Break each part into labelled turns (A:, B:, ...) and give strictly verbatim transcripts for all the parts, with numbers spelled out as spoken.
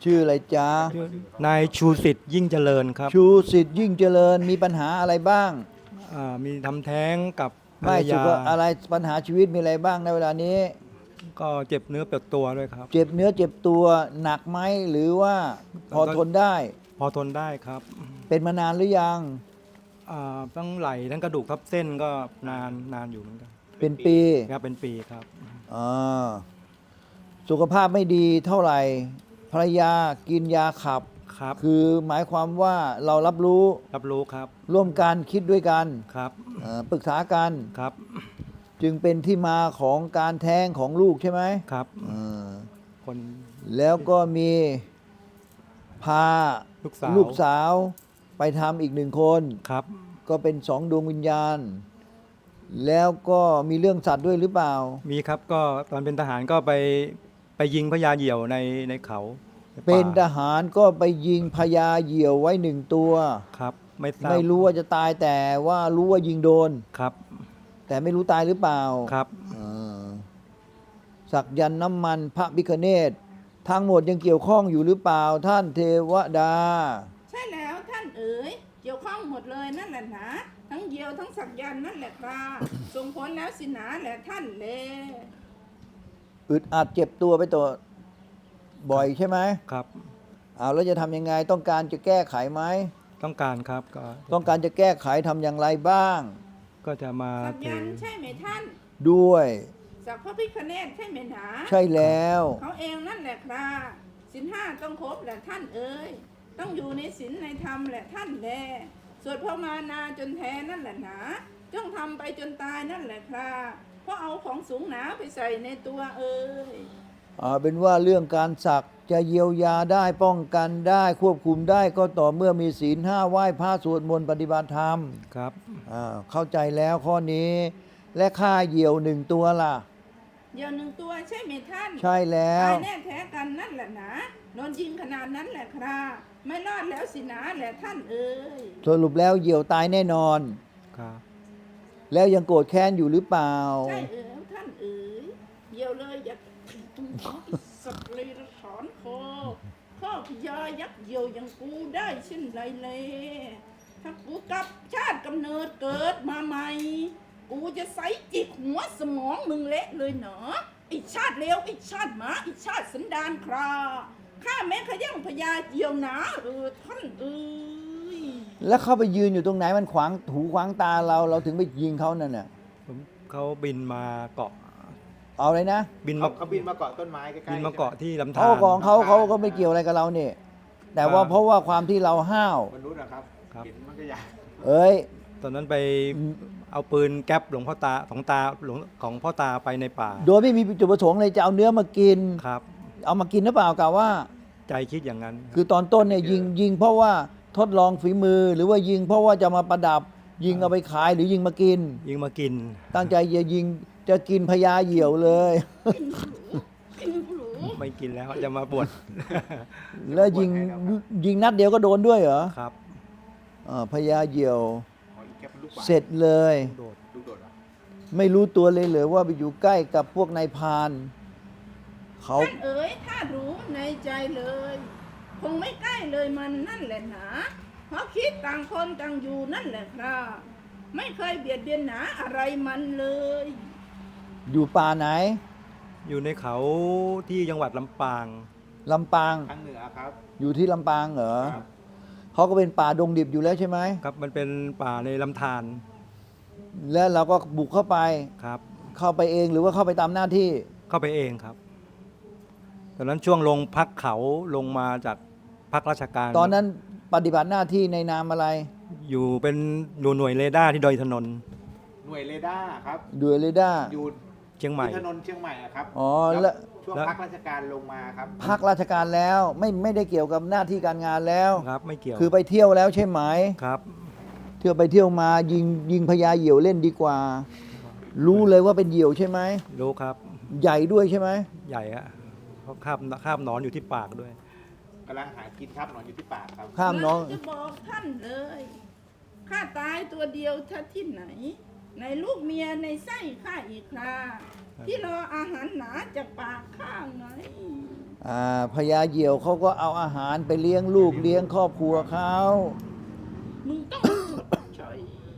A: ชื่ออะไรจ๊ะ
B: นายชูสิทธิ์ยิ่งเจริญครับ
A: ชูสิทธิ์ยิ่งเจริญมีปัญหาอะไรบ้าง
B: อ่ามีทำแท้งกับภร
A: ไม่
B: ร
A: สุ
B: ยา
A: ขอะไรปัญหาชีวิตมีอะไรบ้างในเวลานี้
B: ก็เจ็บเนื้อเปียกตัวด้วยครับ
A: เจ็บเนื้อเจ็บตัวหนักไหมหรือว่าพอทนได้
B: พอทนได้ครับ
A: เป็นมานานหรือยัง
B: อ่าทั้งไหล่ทั้งกระดูกทับเส้นก็นานนานอยู่เหมือนกัน
A: เป็นปี
B: ครับเป็นปีครับ
A: อ่าสุขภาพไม่ดีเท่าไหร่ภรรยากินยาขับ
B: ครับ
A: คือหมายความว่าเรารับรู้
B: รับรู้ครับ
A: ร่วมกันคิดด้วยกัน
B: ครับ
A: ปรึกษากัน
B: ครับ
A: จึงเป็นที่มาของการแท้งของลูกใช่ไหม
B: ครับ
A: คนแล้วก็มีพา
B: ลูกสาว
A: ลูกสาวไปทำอีกหนึ่งคน
B: ครับ
A: ก็เป็นสองดวงวิญญาณแล้วก็มีเรื่องสัตว์ด้วยหรือเปล่า
B: มีครับก็ตอนเป็นทหารก็ไปไปยิงพญาเหยี่ยวในในเขา
A: เป็นทหารก็ไปยิงพญาเหยี่ยวไว้หนึ่งตัว
B: ครับไม่ทราบ
A: ไม่รู้ว่าจะตายแต่ว่ารู้ว่ายิงโดน
B: ครับ
A: แต่ไม่รู้ตายหรือเปล่า
B: ครับ
A: สักยันต์น้ำมันพระพิฆเนศทั้งหมดยังเกี่ยวข้องอยู่หรือเปล่าท่านเทวดา
C: ใช่แล้วท่านเอ๋ยเกี่ยวข้องหมดเลยนั่นแหละนะทั้งเหยี่ยวทั้งสักยันต์นั่นแหละครับส่งผลแล้วสินะแหละท่านเล
A: อึดอัดเจ็บตัวไปตัวบ่อยใช่ไหม
B: ครับ
A: เอาแล้วจะทำยังไงต้องการจะแก้ไขไหม
B: ต้องการครับก็
A: ต้องการจะแก้ไขทำอย่างไรบ้าง
B: ก็จะมา
C: สักยันต์ใช่ไหมท่าน
A: ด้วย
C: สักพระพิฆเนศใช่ไหมหนา
A: ใช่แล้ว
C: เขาเองนั่นแหละครับศีลห้าต้องครบแหละท่านเอ๋ยต้องอยู่ในศีลในธรรมแหละท่านแลสวดพระมานาจนแท้นั่นแหละหนาจ้องทำไปจนตายนั่นแหละครับเพราะเอาของสูงหนาไปใส่ในตัวเอ๋ย
A: อ่าเป็นว่าเรื่องการสักจะเยียวยาได้ป้องกันได้ควบคุมได้ก็ต่อเมื่อมีศีลห้าไหว้พระสวดมนต์ปฏิบัติธรรม
B: ครับ
A: อ่าเข้าใจแล้วข้อนี้และค่าเหยี่ยวหนึ่งตัวล่ะ
C: เหยี่ยวหนึ่งตัวใช่ไหมท่าน
A: ใช่แล้ว
C: ตายแน่แท้กันนั่นแหละนะโดนยิงขนาดนั้นแหละครับไม่รอดแล้วสินะแหละท่านเอ๋ย
A: สรุปแล้วเหยี่ยวตายแน่นอน
B: ครับ
A: แล้วยังโกรธแค้นอยู่หรือเปล่า
C: ใช่เอ๋ยท่านเอ๋ยเหยี่ยวเลยอย่าตุ้งสักเลยถอนคอข้อพยายักษ์เหยี่ยวอย่างกูได้เช่นไรเลยถ้ากูกลับชาติกำเนิดเกิดมาใหม่กูจะใส่จิกหัวสมองมึงเละเลยเนาะไอชาติเลวไอชาติหมาไอชาติสันดานคราข้าแม้ขย่งพญาเหยี่ยวหนาเออท่านเอ๋ย
A: แล้วเข้าไปยืนอยู่ตรงไหนมันขวางหูขวางตาเราเราถึงไปยิงเขานั่นน่ะ
B: เขาบินมาเกาะ
A: เอาเลยนะ
B: บิน
D: มาเขาบินมาเกาะต้นไม้ใกล้ๆ
B: บินมาเกาะที่ลำธาร
A: เขาของเขาเขาก็ไม่เกี่ยวอะไรกับเราเนี่ยแต่ว่าเพราะว่าความที่เราห้าว
D: มนุษย์นะครับเห็นมันก็อยาก
A: เอ้ย
B: ตอนนั้นไปเอาปืนแก๊ปหลวงพ่อตาของตาหลวงของพ่อตาไปในป่า
A: โดยไม่มีจุดประสงค์เลยจะเอาเนื้อมากิน
B: ครับ
A: เอามากินหรือเปล่ากล่าวว่า
B: ใจคิดอย่างนั้น
A: คือตอนต้นเนี่ยยิงยิงเพราะว่าทดลองฝีมือหรือว่ายิงเพราะว่าจะมาประดับยิงเอาไปขายหรือยิงมากิน
B: ยิงมากิน
A: ตั้งใจจะยิงจะกินพญาเหยี่ยวเลย
B: ไม่กินแล้วจะมาบวช
A: แล้วยิงยิงนัดเดียวก็โดนด้วยเหรอ
B: ครับ
A: พญาเหยี่ยวเสร็จเลยไม่รู้ตัวเลยเหรอว่าไปอยู่ใกล้กับพวกนายพรานเขา
C: ท่านเอ๋ยถ้ารู้ในใจเลยคงไม่ใกล้เลยมันนั่นแหละหนาเพราะคิดต่างคนต่างอยู่นั่นแหละครับไม่เคยเบียดเบียนหนาอะไรมันเลย
A: อยู่ป่าไหน
B: อยู่ในเขาที่จังหวัดลำปาง
A: ลำปาง
D: ทางเหนือครับ
A: อยู่ที่ลำปางเหรอเขาก็เป็นป่าดงดิบอยู่แล้วใช่ไหม
B: ครับมันเป็นป่าในลำธาร
A: แล้วเราก็บุกเข้าไป
B: ครับ
A: เข้าไปเองหรือว่าเข้าไปตามหน้าที่
B: เข้าไปเองครับตอนนั้นช่วงลงพักเขาลงมาจากพักราชการ
A: ตอนนั้นปฏิบัติหน้าที่ในนามอะไร
B: อยู่เป็นหน่วยเรดาร์ที่ดอยถนน
D: หน่วยเรดาร์ครับ
A: หน่วยเรดาร์
D: อยู่
B: เชียงใหม่
D: ถนนเชียงใหม่ครับ
A: อ๋อแล้ว
D: ช่วงพักราชการลงมาครับ
A: พักราชการแล้วไม่ไม่ได้เกี่ยวกับหน้าที่การงานแล้ว
B: ครับไม่เกี่ยว
A: คือไปเที่ยวแล้วใช่ไหม
B: ครับ
A: เที่ยวไปเที่ยวมายิงยิงพญาเหยี่ยวเล่นดีกว่ารู้เลยว่าเป็นเหยี่ยวใช่ไหม
B: รู้ครับ
A: ใหญ่ด้วยใช่ไหม
B: ใหญ่อะเขาคาบคาบนอนอยู่ที่ปากด้วย
D: กำลังหากินครับนอนอยู่ที่ปากครับ
A: ข้ามน้อง
C: จะบอกท่านเลยข้าตายตัวเดียวท่าที่ไหนในลูกเมียในไส้ข้าอีกคราที่รออาหารหนาจากปากข้าไง
A: อ่าพญาเหยี่ยวเขาก็เอาอาหารไปเลี้ยงลูกเลี้ยงครอบครัวเขา
C: มึงต้องเฉย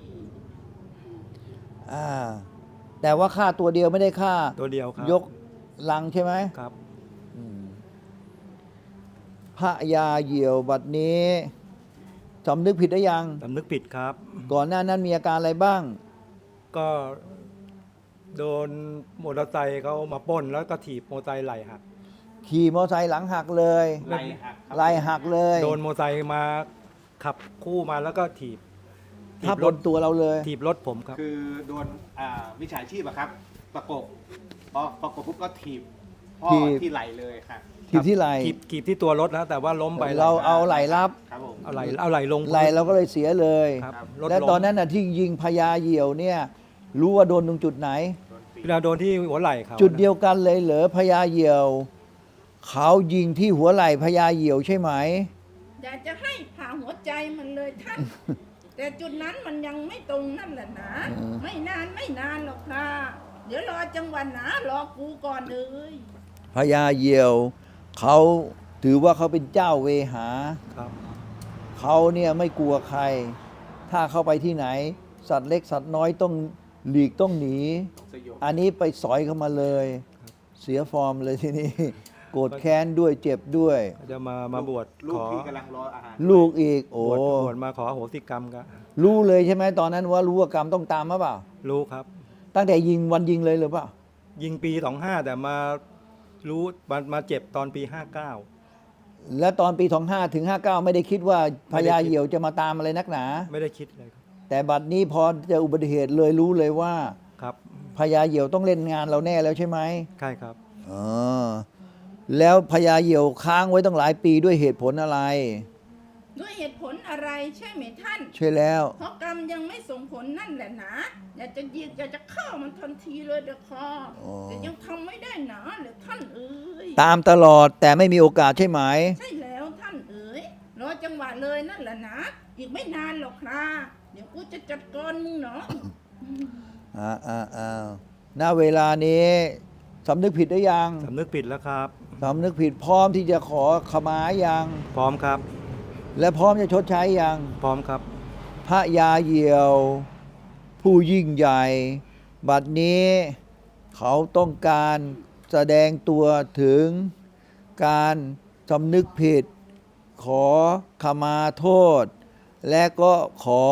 A: อ่าแต่ว่าฆ่าตัวเดียวไม่ได้ฆ่า
B: ตัวเดียวครับ
A: ยกลังใช่ไหม
B: ครับ
A: อืมพระยาเหยี่ยวบัดนี้สำนึกผิดได้ยัง
B: สำนึกผิดครับ
A: ก่อนหน้านั้นมีอาการอะไรบ้าง
B: ก็โดนมอเตอร์ไซค์เขามาปล้นแล้วก็ถีบมอเตอร์ไซค์ไหลหัก
A: ขี่มอเตอร์ไซค์หลังหักเลย
D: ไหล่หักครับ
A: ไหลหักเลย
B: โดนมอเตอร์ไซค์มาขับคู่มาแล้วก็ถีบถี
A: ทับบ
B: ร
A: บ
B: ถ
A: นตัวเราเลย
B: ถีบรถผมครับ
D: คือโดนอ่ามิจฉาชีพอะครับ ประกบพอประกบปุ๊บก็ถีบพ่อ
A: ถีบ
D: ที่ไหล่เลยค่ะ
A: ถีบที่ไหล
B: ถีบถีบที่ตัวรถนะแต่ว่าล้มไป
A: เราเอาไหลรับ
D: ครับผม
B: เอาไหลเอาไหลลง
A: ไหลเราก็เลยเสียเลย
B: ครับรถ
A: และ
B: ล้ม
A: ตอนนั้นน่ะที่ยิงพญาเหยี่ยวเนี่ยรู้ว่าโดนตรงจุดไหน
D: โดนปี
B: เวลาโดนที่หัวไหล่เขา
A: จุดเดียวกันเลยเหรอพญาเหยี่ยว เขายิงที่หัวไหล่พญาเหยี่ยวใช่ไหม
C: อยากจะให้ผ่าหัวใจมันเลยท่าน แต่จุดนั้นมันยังไม่ตรงนั่นแหละนะ ไม่นานไม่นานหรอกค่ะเดี๋ยวรอจังหวะหนารอกูก่อนเลย
A: พญาเหยี่ยว เขาถือว่าเขาเป็นเจ้าเวหา
B: ครับ
A: เขาเนี่ยไม่กลัวใคร ถ้าเข้าไปที่ไหน สัตว์เล็กสัตว์น้อยต้องหลีกต้องหนี
D: ต้องสยบ
A: อันนี้ไปสอยเข้ามาเลย เสียฟอร์มเลยทีนี้ โกรธแค้นด้วยเจ็บด้วย
B: ก็จะมามาบวช
D: ลู
B: ข
D: ก
B: อ
D: ที่กำลังรออาหาร
A: ลูกอีก โอ้
B: บวชบวชมาขออโหสิกรรมก็
A: รู้เลยใช่ไหมตอนนั้นว่ารู้ว่ากรรมต้องตามมาเปล่า
B: รู้ครับ
A: ตั้งแต่ยิงวันยิงเลยหรือเปล่า
B: ยิงปีสองห้าแต่มารู้มามาเจ็บตอนปีห้าเก้า
A: แล้วตอนปีสองห้าถึงห้าเก้าไม่ได้คิดว่าพญาเหยี่ยวจะมาตามอะไรนักหนา
B: ไม่ได้คิดเลยครับ
A: แต่บัดนี้พอเจออุบัติเหตุเลยรู้เลยว่า
B: ครับ
A: พญาเหยี่ยวต้องเล่นงานเราแน่แล้วใช่ไหม
B: ใช่ครับ
A: อ๋อแล้วพญาเหยี่ยวค้างไว้ตั้งหลายปีด้วยเหตุผลอะไร
C: ด้วยเหตุผลอะไรใช่ไหมท่าน
A: ใช่แล้ว
C: เพราะกรรมยังไม่ส่งผลนั่นแหละนะอยากจะยิงอยากจะฆ่ามันทันทีเลยเด็กคอ
A: อ๋อ
C: แต่ยังทำไม่ได้หนาเลยท่านเอ๋ย
A: ตามตลอดแต่ไม่มีโอกาสใช่ไหม
C: ใช่แล้วท่านเอ๋ยรอจังหวะเลยนั่นแหละนะอีกไม่นานหรอกครับเดี๋ยวกูจะจัดการมึงเนาะ
A: อ่าอ่าอ่าณเวลานี้สำนึกผิดได้ยัง
B: สำนึกผิดแล้วครับ
A: สำนึกผิดพร้อมที่จะขอขมายัง
B: พร้อมครับ
A: และพร้อมจะชดใช้ยัง
B: พร้อมครับ
A: พระยาเหยี่ยว ผู้ยิ่งใหญ่ บัดนี้เขาต้องการแสดงตัวถึงการสำนึกผิด ขอขมาโทษ และก็ขอ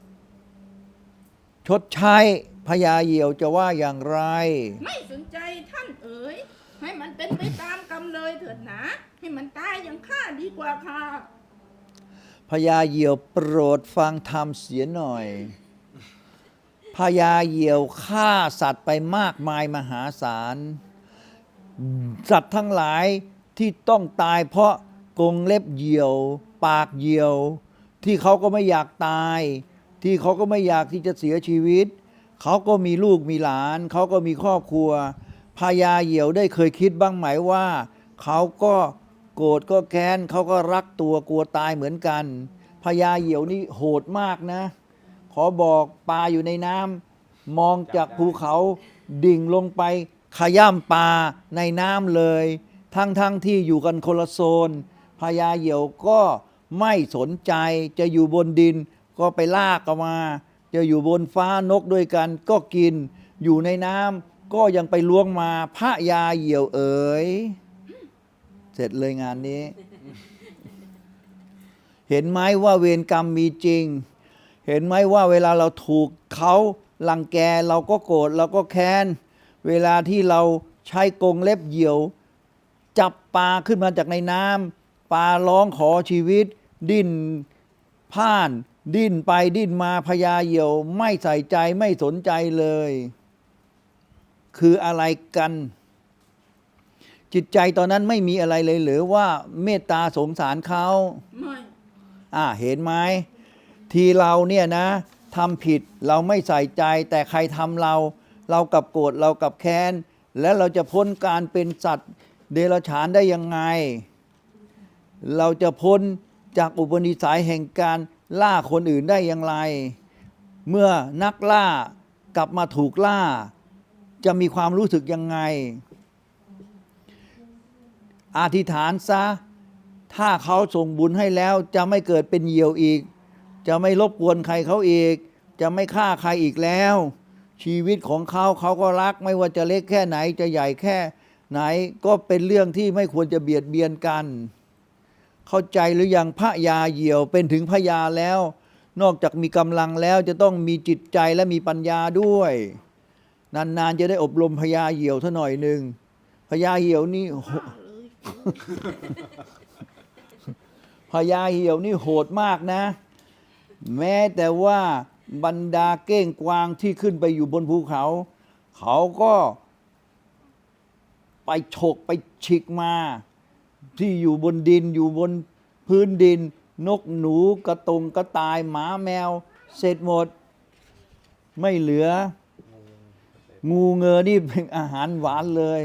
A: ชดใช้พญาเหยี่ยวจะว่าอย่างไร
C: ไม่สนใจท่านเอ๋ยให้มันเป็นไปตามกรรมเลยเถิดนะให้มันตายอย่างข้าดีกว่าค่ะ
A: พญาเหยี่ยวโปรดฟังธรรมเสียหน่อย พญาเหยี่ยวฆ่าสัตว์ไปมากมายมหาศาล สัตว์ทั้งหลายที่ต้องตายเพราะกรงเล็บเหยี่ยว ปากเหยี่ยว ที่เขาก็ไม่อยากตาย ที่เขาก็ไม่อยากที่จะเสียชีวิต เขาก็มีลูกมีหลาน เขาก็มีครอบครัวพญาเหยี่ยวได้เคยคิดบ้างไหมว่า เขาก็โกรธก็แค้นเขาก็รักตัวกลัวตายเหมือนกันพญาเหยี่ยวนี่โหดมากนะ ขอบอกปลาอยู่ในน้ำมองจากภูเขาดิ่งลงไปขย่ำปลาในน้ำเลย ทั้งทั้งที่อยู่กันคนละโซนพญาเหยี่ยวก็ไม่สนใจจะอยู่บนดินก็ไปลากออกมา จะอยู่บนฟ้านกด้วยกันก็กิน อยู่ในน้ำก็ยังไปล้วงมาพระยาเหยี่ยวเอ๋ยเสร็จเลยงานนี้ เห็นไหมว่าเวรกรรมมีจริง เห็นไหมว่าเวลาเราถูกเขาลังแกเราก็โกรธเราก็แค้น เวลาที่เราใช้กรงเล็บเหยี่ยว จับปลาขึ้นมาจากในน้ำปลาร้องขอชีวิต ดิ้นพ่าน ดิ้นไปดิ้นมาพญาเหยี่ยวไม่ใส่ใจไม่สนใจเลย คืออะไรกัน จิตใจตอนนั้นไม่มีอะไรเลยหรือว่าเมตตาสงสารเขา
C: ไม่
A: อ่าเห็นไหมทีเราเนี่ยนะทำผิดเราไม่ใส่ใจ แต่ใครทำเรา เรากลับโกรธเรากลับแค้น แล้วเราจะพ้นการเป็นสัตว์เดรัจฉานได้ยังไง เราจะพ้นจากอุปนิสัยแห่งการล่าคนอื่นได้อย่างไร เมื่อนักล่ากลับมาถูกล่า จะมีความรู้สึกยังไงอธิษฐานซะถ้าเขาส่งบุญให้แล้วจะไม่เกิดเป็นเหยี่ยวอีก จะไม่รบกวนใครเขาอีก จะไม่ฆ่าใครอีกแล้ว ชีวิตของเขาเขาก็รักไม่ว่าจะเล็กแค่ไหนจะใหญ่แค่ไหนก็เป็นเรื่องที่ไม่ควรจะเบียดเบียนกัน เข้าใจหรือยังพระยาเหยี่ยวเป็นถึงพระยาแล้ว นอกจากมีกำลังแล้วจะต้องมีจิตใจและมีปัญญาด้วย นานๆจะได้อบรมพญาเหยี่ยวเท่าหน่อยหนึ่งพญาเหยี่ยวนี่
C: ฆ่าเลย
A: พญาเหี่ยวนี่โหดมากนะ แม้แต่ว่าบรรดาเก้งกวางที่ขึ้นไปอยู่บนภูเขา เขาก็ไปฉกไปฉิกมา ที่อยู่บนดินอยู่บนพื้นดิน นกหนูกระตงกระต่ายหมาแมว เสร็จหมด ไม่เหลือ งูเงอนี่เป็นอาหารหวานเลย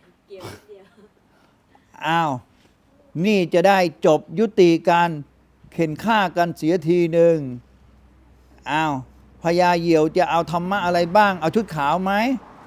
A: อ้าว นี่จะได้จบยุติการเข็นฆ่ากันเสียทีหนึ่งอ้าวพญาเหยี่ยวจะเอาธรรมะอะไรบ้าง เอาชุดขาวไหม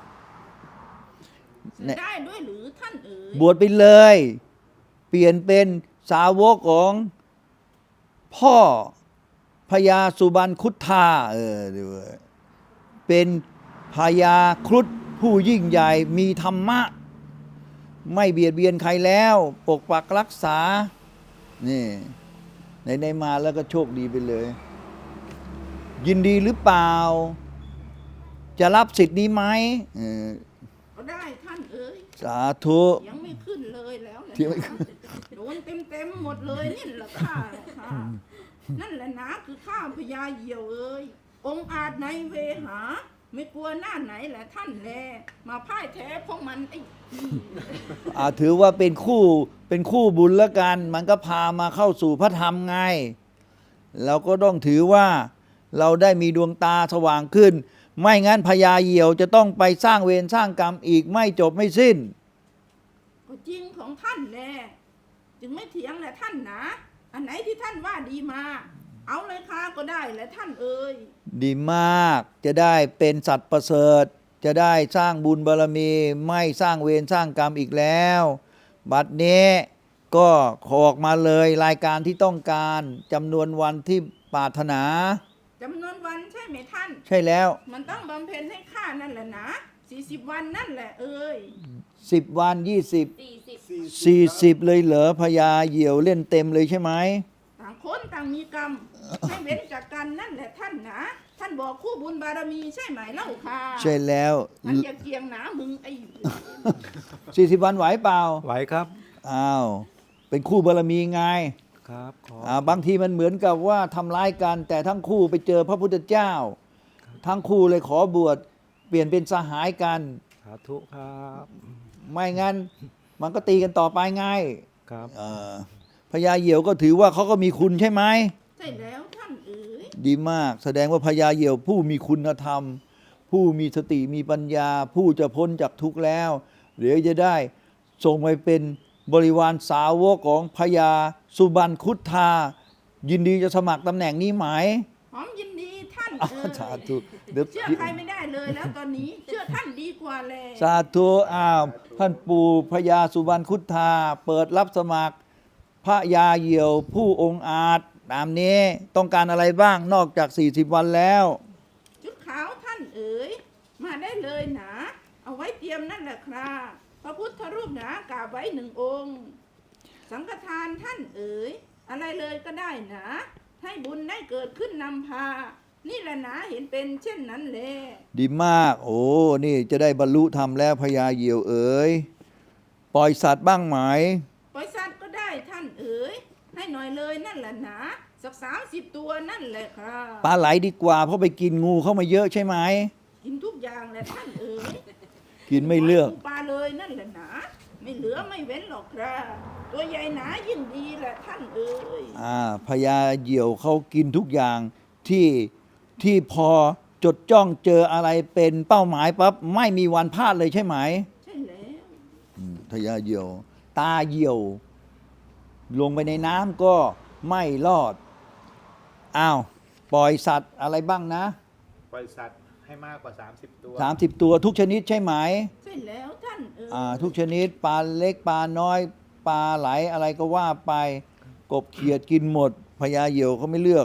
C: จะได้ด้วยหรือท่านเอ๋ย
A: บวชไปเลย เปลี่ยนเป็นสาวกของพ่อพญาสุบรรณคุธาเออดูเป็นพญาครุฑผู้ยิ่งใหญ่มีธรรมะ ไม่เบียดเบียนใครแล้ว ปกปักรักษา นี่ในในมาแล้วก็โชคดีไปเลย ยินดีหรือเปล่า จะรับสิทธิ์นี้ไหมเออ
C: ก็ได้ท่านเอ๋ย
A: สาธุ
C: ยังไม่ขึ้นเลยแล้วแหละ
A: เที่ยวไม่ขึ้น
C: โดนเต็มเต็มๆหมดเลยนี่แหละข้าค่ะนั่นแหละนะคือข้าพญาเหยี่ยวเอ้ยองค์อาจในเวหา ไม่กลัวหน้าไหนแหละท่านแลมาพ่ายแท้พวกมันไอ้
A: อ่าถือว่าเป็นคู่เป็นคู่บุญแล้วกัน มันก็พามาเข้าสู่พระธรรมไง เราก็ต้องถือว่าเราได้มีดวงตาสว่างขึ้น ไม่งั้นพญาเหยี่ยวจะต้องไปสร้างเวรสร้างกรรมอีกไม่จบไม่สิ้น
C: ก็จริงของท่านแลจึงไม่เถียงแหละท่านนะอันไหนที่ท่านว่าดีมา เอาเลยค่ะก็ได้แหละท่านเอ่ย
A: ดีมากจะได้เป็นสัตว์ประเสริฐ จะได้สร้างบุญบารมี ไม่สร้างเวรสร้างกรรมอีกแล้ว บัดนี้ก็ขอออกมาเลยรายการที่ต้องการจำนวนวันที่ปรารถนา
C: จำนวนวันใช่ไหมท่าน
A: ใช่แล้ว
C: มันต้องบำเพ็ญให้ข้านั่นแหละนะสี่สิบวันนั่นแหละเอ่ย
A: สิบวัน ยี่สิบ
E: สี่สิบ
A: สี่สิบเลยเหรอพญาเหยี่ยวเล่นเต็มเลยใช่ไหม
C: ต่างคนต่างมีกรรม ให้เว้นจากกันนั่นแหละท่านนะท่านบอกคู่บุญบารมีใช่ไหมเล่าค่ะ
A: ใช่แล้ว
C: มันอย่าเกียงหนามึงไอ้
A: สี่สิบวันไหวเปล่า
B: ไหวครับ
A: อ้าวเป็นคู่บารมีไง
B: ครับขอ
A: อ่าบางทีมันเหมือนกับว่าทำร้ายกัน แต่ทั้งคู่ไปเจอพระพุทธเจ้า ทั้งคู่เลยขอบวชเปลี่ยนเป็นสหายกัน
B: สาธุครับ
A: ไม่งั้นมันก็ตีกันต่อไปไง
B: ครับ
A: เอ่อพญาเหยี่ยวก็ถือว่าเขาก็มีคุณใช่ไหม
C: ใช่แล้วท่านเอ๋ย
A: ดีมาก แสดงว่าพญาเหยี่ยวผู้มีคุณธรรม ผู้มีสติมีปัญญา ผู้จะพ้นจากทุกข์แล้วเดี๋ยวจะได้ส่งไปเป็นบริวารสาวกของพญาสุบรรณคุธายินดีจะสมัครตำแหน่งนี้ไหม
C: หอมยินดีท่าน
A: อ่า
C: เอ๋ย
A: สาธุเดี๋ยว
C: เชื่อใครไม่ได้เลยแล้วตอนนี้ เชื่อท่านดีกว่าแล
A: สาธุอ้าวท่านปู่พญาสุบรรณคุธาเปิดรับสมัครพระยาเหยี่ยวผู้องค์อาจตามนี้ต้องการอะไรบ้างนอกจาก สี่สิบ วันแล้ว
C: ชุดขาวท่านเอ๋ยมาได้เลยนะเอาไว้เตรียมนั่นแหละครับพระพุทธรูปหนากราบไว้หนึ่งองค์ สังฆทานท่านเอ๋ยอะไรเลยก็ได้นะ ให้บุญได้เกิดขึ้นนำพา นี่แหละนะเห็นเป็นเช่นนั้นแล
A: ดีมาก โอ้นี่จะได้บรรลุธรรมแล้วพญาเหยี่ยวเอ๋ยปล่อยสัตว์บ้างไหม
C: ปล่อยสัตว์ก็ได้ท่านเอ๋ยให้หน่อยเลยนั่นแหละนะสักสามสิบตัวนั่นแหละครับ
A: ปลาไหลดีกว่าเพราะไปกินงูเข้ามาเยอะใช่ไหม
C: กินทุกอย่างแหละท่านเอ๋ย
A: กินไม่เลือก
C: ปลาเลยนั่นแหละนะไม่เหลือไม่เว้นหรอกครับตัวใหญ่หนายิ่งดีแหละท่านเอ๋ย
A: อ่าพญาเหยี่ยวเขากินทุกอย่างที่ที่พอจดจ้องเจออะไรเป็นเป้าหมายปั๊บไม่มีวันพลาดเลยใช่ไหม
C: ใช่แล้ว
A: อืมพญาเหยี่ยว ตาเหยี่ยว ลงไปในน้ำก็ไม่รอดอ้าวปล่อยสัตว์อะไรบ้างนะ
D: ปล่อยสัตว์ให้มากกว่า สามสิบ ตัว
A: สามสิบตัวทุกชนิดใช่ไหม
C: ใช่แล้วท่านเอ๋ย
A: อ่าทุกชนิดปลาเล็กปลาน้อยปลาไหลอะไรก็ว่าไป กบเขียดกินหมดพญาเหยี่ยวเขาไม่เลือก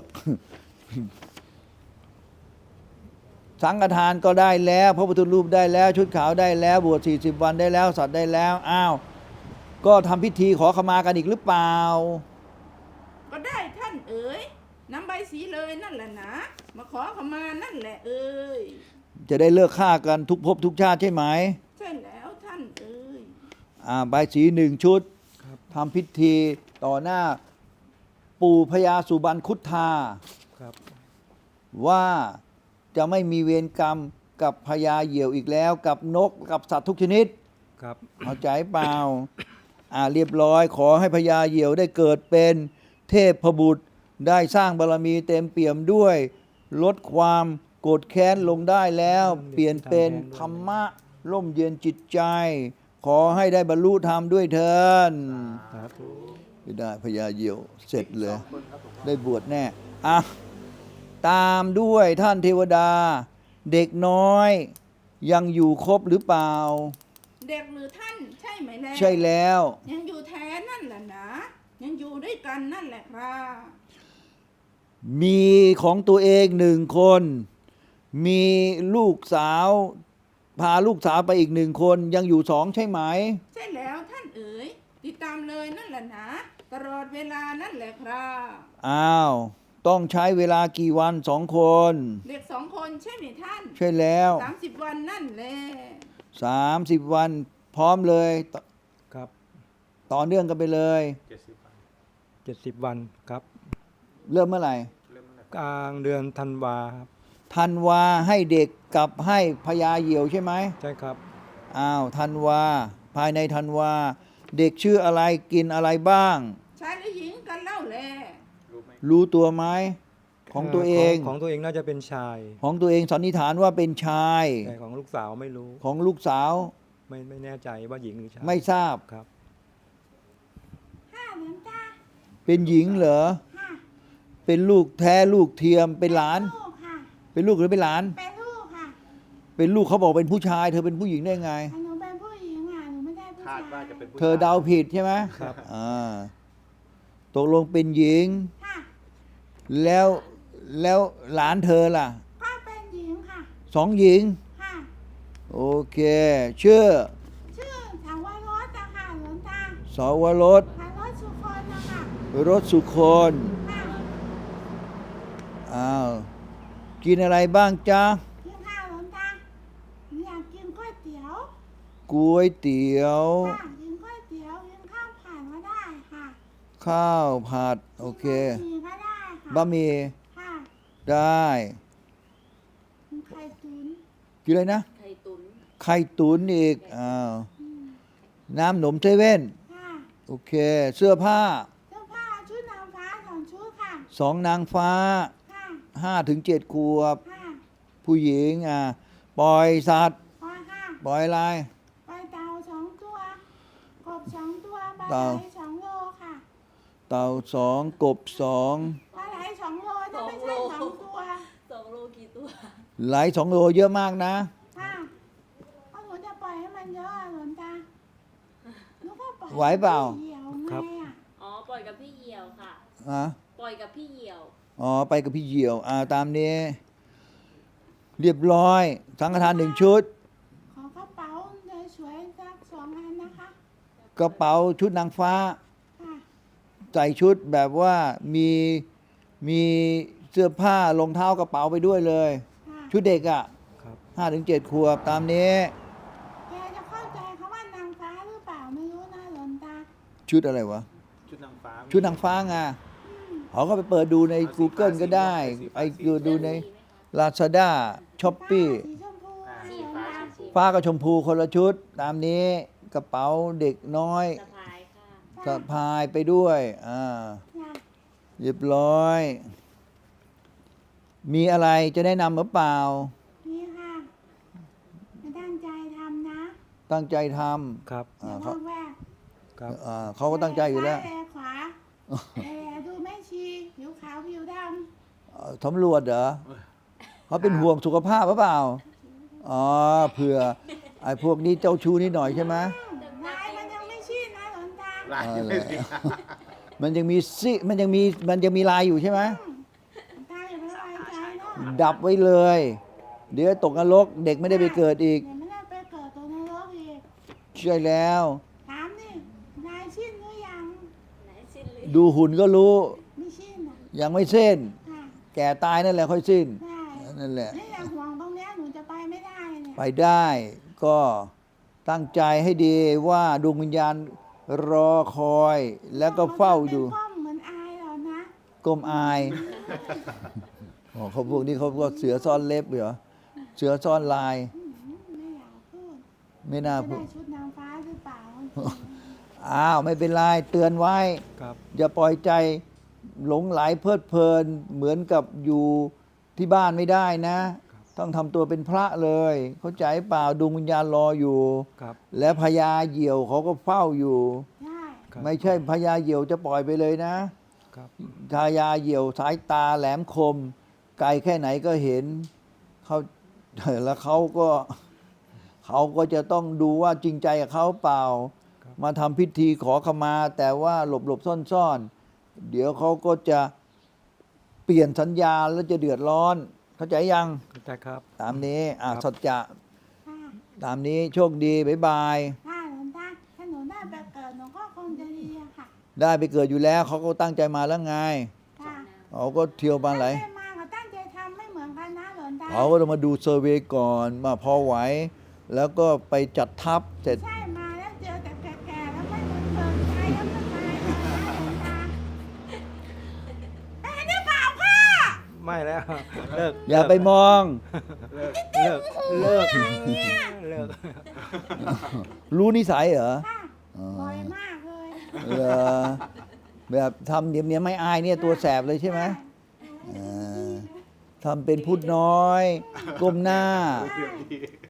A: สังฆทานก็ได้แล้วพระพุทธรูปได้แล้ว ชุดขาวได้แล้ว บวชสี่สิบวันได้แล้ว สัตว์ได้แล้วอ้าวก็ทำพิธีขอขมากันอีกหรือเปล่า
C: ก็ได้ท่านเอ๋ยนำใบสีเลยนั่นแหละนะมาขอขมานั่นแหละเอ๋ย
A: จะได้เลิกฆ่ากันทุกภพทุกชาติใช่ไหม
C: ใช่แล้วท่านเอ๋ย
A: อ่าใบายสีหนึ่งชุด
B: ครับ
A: ทำพิธีต่อหน้าปู่พญาสุบรรณคุธา
B: ครับ
A: ว่าจะไม่มีเวรกรรมกับพญาเหยี่ยวอีกแล้ว กับนกกับสัตว์ทุกชนิด
B: ครับ
A: เอาใจเปล่า อ่าเรียบร้อยขอให้พญาเหยี่ยวได้เกิดเป็นเทพบุตร ได้สร้างบารมีเต็มเปี่ยมด้วย ลดความโกรธแค้นลงได้แล้ว เปลี่ยนเป็นธรรมะร่มเย็นจิตใจ ขอให้ได้บรรลุธรรมด้วยเถิน
B: ครับ
A: ไม่ได้พญาเหยี่ยวเสร็จเลย ได้บวชแน่อ่ะตามด้วยท่านเทวดา เด็กน้อย ยังอยู่ครบหรือเปล่า
C: เด็กหรือท่านใช่ไหมแล้
A: ใช่แล้ว
C: ยังอยู่แท้นั่นแหละนะยังอยู่ด้วยกันนั่นแหละครับ
A: มีของตัวเองหนึ่งคน มีลูกสาว พาลูกสาวไปอีกหนึ่งคน ยังอยู่สองใช่ไหม
C: ใช่แล้วท่านเอ๋ยติดตามเลยนั่นแหละนะตลอดเวลานั่นแหละครับ
A: อ้าว ต้องใช้เวลากี่วันสองคน
C: เด็กสองคนใช่ไหมท่าน
A: ใช่แล้ว
C: สามสิบวันนั่นแหละ
A: สามสิบวันพร้อมเลยต
B: ครับ
A: ต่อเนื่องกันไปเลย
D: เจ็ดสิบวัน
B: เจ็ดสิบวันครับ
A: เริ่มเมื่อไหร่
D: เริ่มตั้งแต่
B: กลางเดือนธันวาครับ
A: ธันวาให้เด็กกับให้พญาเหยี่ยวใช่ไหม
B: ใช่ครับ
A: อ้าวธันวา ภายในธันวา เด็กชื่ออะไรกินอะไรบ้าง
C: ชายหรือหญิงกันเล่าแล
D: รู้ไหม
A: รู้ตัวไหมของตัวเอง
B: ของของตัวเองน่าจะเป็นชาย
A: ของตัวเองสันนิษฐานว่าเป็นชาย
B: แต่ของลูกสาวไม่รู้
A: ของลูกสาว
B: ไม่ไม่แน่ใจว่าหญิงหรือชาย
A: ไม่ทราบ
B: ครับ
C: ห้าเหมือนตา
A: เป็นหญิงเหรอ
C: ห้า
A: เป็นลูกแท้ลูกเทียมเป็นหลาน
C: ลูกค่ะ
A: เป็นลูกหรือเป็นหลาน
C: เป็นลูกค่ะ
A: เป็นลูกเขาบอกเป็นผู้ชาย เธอเป็นผู้หญิงได้ไง
C: หนูเป็นผู้หญิงอ่ะหนูไม่ได้ผู้
D: คา
C: ชา
D: ดว่าย จะเป็นผู้
A: เธอเดาผิดใช่ไหม
B: ครับ
A: อ่าตกลงเป็นหญิง
C: ค่ะ
A: แล้วแล้วหลานเธอล่ะ
C: ก็เป็นหญิงค่ะ
A: สองหญิง
C: ค่ะ
A: โอเค ชื่อ
C: ชื่อถาวรสอะค่ะหลวงตา
A: สวรส
C: ถาวรสุคนนะคะ
A: รสสุคน
C: ค่ะ
A: อ้าวกินอะไรบ้างจ๊ะ
C: กินข้าวหลวงตาหนูอยากกินก๋วยเตี๋ยว
A: ก๋วยเตี๋ยว
C: ค่ะกินก๋วยเตี๋ยวกินข้าวผัดก็ได้ค่ะ
A: ข้าวผัด โอเค
C: กินบะหมี่ก็ได้ค่ะ
A: บะหมี่
C: ค่ะ
A: ได้
C: กินไข่ตุ๋น
A: กินอะไรนะ
E: ไข่ตุ๋น
A: ไข่ตุ๋นอีกอ้าวน้ำหนมเซเว่น
C: ค่ะ
A: โอเค เสื้อผ้า
C: เสื้อผ้าชุดนางฟ้าสองชุดค่ะ
A: สองนางฟ้า
C: ค่ะ
A: ห้าถึงเจ็ดขวบ
C: ค่ะ
A: ผู้หญิงอ่าปล่อยสัตว์
C: ปอยค่ะ
A: ปล่อยอะไร
C: ไปเต่าสองตัว กบสองตัวปลา
A: เต่า
C: ไหลสองโลค่ะ
A: เต่าสองกบสอง
C: ปลาไหลสองโลถ้าไม่ใช่สองตัว
E: สองโลกี่ตัว
A: ไหลสองโลเยอะมากนะ
C: ค่ะเอาหนูจะปล่อยให้มันเยอะอะหลวงตาหนูก็ปล่อย
A: ไหวเปล่า
C: เหี่ยวไง
B: ครับ
C: อ่ะ
E: อ๋อ ปล่อยกับพี่เหี่ยวค่ะ
A: อ่ะ
E: ปล่อยกับพี่เหี่ยว
A: อ๋อ ไปกับพี่เหยี่ยว อ่า ตามนี้ เรียบร้อย สังฆทานหนึ่งชุด
C: ขอกระเป๋าสวยๆสักสองอันนะคะ
A: กระเป๋าชุดนางฟ้า
C: ค่ะ
A: ใส่ชุดแบบว่ามีมีเสื้อผ้ารองเท้ากระเป๋าไปด้วยเลย
C: ค่ะ
A: ชุดเด็กอ่ะ
B: ครับ
A: ห้าถึงเจ็ดขวบ ตามนี้
C: แกจะเข้าใจคำว่านางฟ้าหรือเปล่าไม่รู้นะหลวงตา
A: ชุดอะไรวะ
D: ชุดนางฟ้า
A: ชุดนางฟ้าไงเขาก็ไปเปิดดูใน Google ก็ได้ ไอ้ดูดูใน Lazada Shopee
C: สีชมพู
D: อ่า
C: ค่ะ
D: สี
C: หลวง
D: ฟ้า
C: ตา
D: สี
A: ฟ้ากับชมพูคนละชุด ตามนี้กระเป๋าเด็กน้อย
E: สะพายค่ะ
A: สะพายไปด้วยอ่า
C: ค่ะ
A: เรียบร้อย มีอะไรจะแนะนำหรือเปล่า
C: นี่ค่ะมาตั้งใจทำนะ
A: ตั้งใจท
B: ครับ
A: ำ
C: อย่า
A: อ่า
C: บ
A: เขา
C: อกแวก
B: ครับ
A: อ่าเขาก็ตั้งใจอยู่แล้ว
C: แลขวาแลดูแม่ชีผิวขาวผิวด
A: เอ่อสำรวจเหรอเขาเป็นห่วงสุขภาพหรือเปล่า อ๋อเผื่อไอ้พวกนี้เจ้าชู้นิดหน่อยใช่ไหม
C: ำลายมันยังไม่ชี้นะหลวงตา
D: ลาย
A: เอา
D: ยัง
A: เล
D: ไม่
A: ย
D: เสีย
A: มันยังมีซิมันยังมีมันยังมีลายอยู่ใช่ไหม
C: ตาอย่าไปไว้ใจเนาะ
A: ดับไว้เลย เดี๋ยวตกนรกเด็กไม่ได้ไปเกิดอีก
C: เดี๋ยวไม่ได้ไปเกิดตัวนรกอีก
A: ใช่แล้ว
C: ถามนี่นายสิ้นหรือยัง
E: ไหนสิ้นเลย
A: ดูหุ่นก็รู้
C: ไม่สิ้นอ่ะ
A: ยังไม่เส้น
C: ค่ะ
A: แก่ตายนั่นแหละค่อยสิ้น
C: ได้
A: นั่นแหละ
C: นี่แหละห่วงตรงเนี้ยหนูจะไปไม่ได้เนี่ย
A: ไปได้ก็ตั้งใจให้ดีว่าดวงวิญญาณรอคอย แล้วก็เฝ้าอยู่
C: เป็นก้มเหมือนอายเหรอนะ
A: ก้มอายอ๋อเขาพวกนี้เขาก็เสือซ่อนเล็บเหรอเสือซ่อนลาย
C: อืมไม่อยากพูด
A: ไม่น่า
C: จะ
A: พู
C: ได้
A: ด
C: ชุดนางฟ้าหรือเปล่า
A: อ้าวไม่เป็นไรเตือนไว้
B: ครับ
A: อย่าปล่อยใจหลงไหลเพลิดเพลิน เหมือนกับอยู่ที่บ้านไม่ได้นะ ต้องทำตัวเป็นพระเลย เข้าใจเปล่าดวงวิญญาณรออยู่
B: ครับ
A: และพญาเหยี่ยวเขาก็เฝ้าอยู่
C: ใช่
B: ครับ
A: ไม่ใช่พญาเหยี่ยวจะปล่อยไปเลยนะครับ พญาเหยี่ยวสายตาแหลมคม ไกลแค่ไหนก็เห็นเขาแล้วเขาก็เขาก็จะต้องดูว่าจริงใจกับเขาเปล่า มาทำพิธีขอขมา แต่ว่าหลบหลบซ่อนซ่อนๆ เดี๋ยวเขาก็จะเปลี่ยนสัญญาแล้วจะเดือดร้อน เข้าใจยัง
B: เข้าใจครับ
A: ตามนี้อ่ะ
B: ครับ
A: สัจจะ
C: ค่ะ
A: ตามนี้โชคดี บ๊ายบาย
C: ค่ะหลวงตาถ้าหนูได้ไปเกิดหนูก็คงจะดีอะค่ะ
A: ได้ไปเกิดอยู่แล้วเขาก็ตั้งใจมาแล้วไง
C: ค่ะ
A: เขาก็เที่ยวมาไหลาย
C: ตั้งใจมากับตั้งใจทำไม่เหมือนกันนะหลวงตา
A: เขาก็ต้องมาดูเซอร์เวย์ก่อนมาพอไหว แล้วก็ไปจัดทัพเสร็จ
C: ใช่มาแล้วเจอแต่แก่ๆแล้วไม่เหมือนเดิมใจแล้วไม่ตายแล้วนะหลวงตาเอ้ยนี่เปล่าค่ะ
B: ไม่แล้ว เลิก
A: อย่าไปมอง
B: เลิกเลิกเลิกเลิก
A: รู้นิสัยเหรอ
C: ค่ะ
A: อ๋อ
C: บ่อยมากเลย
A: เหรอแบบทำเนียมเนียมไม่อายเนี่ยตัวแสบเลยใช่ไหม
C: ใช่
A: อ่าทำเป็นพูดน้อย ก้มหน้า
C: ใช่